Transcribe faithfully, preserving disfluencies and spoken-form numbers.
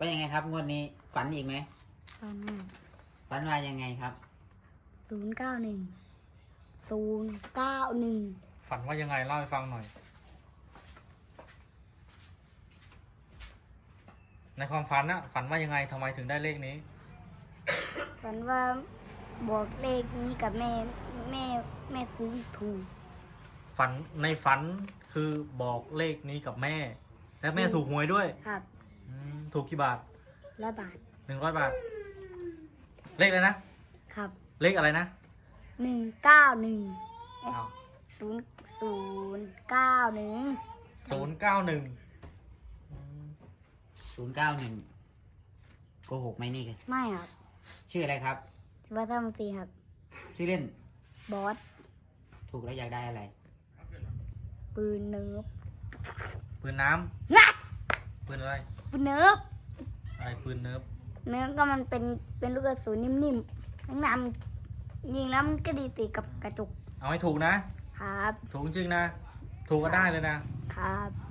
เป็นยังไงครับงวดนี้ฝันอีกไหมฝันอ่ะฝันว่ายังไงครับศูนย์เก้าหนึ่งศูนย์เก้าหนึ่งฝันว่ายังไงเล่าให้ฟังหน่อยในความฝันนะฝันว่ายังไงทำไมถึงได้เลขนี้ฝันว่าบอกเลขนี้กับแม่แม่แม่ซื้อถูกฝันในฝันคือบอกเลขนี้กับแม่ และแม่ถูกหวยด้วยครับถูกกี่บาทร้อยบาทหนึ่งร้อยบาทเลขอะไรนะครับเลขอะไรนะหนึ่งเก้าหนึ่งอ้าวศูนย์ศูนย์เก้าหนึ่งศูนย์เก้าหนึ่งศูนย์เก้าหนึ่งโกหกไหมนี่กันไม่ครับชื่ออะไรครับวัฒนศรีครับชื่อเล่นบอสถูกแล้วอยากได้อะไรปืนเนิร์ฟปืนน้ำนะำปืนอะไรปืนเนิร์ฟอะไรปืนเนิร์ฟเนื้อก็มันเป็นเป็นลูกกระสุนนิ่มๆทั้งน้ำยิงแล้วมันก็ดีติดกับกระจกเอาให้ถูกนะครับถูกจริงนะถูกก็ได้เลยนะครับ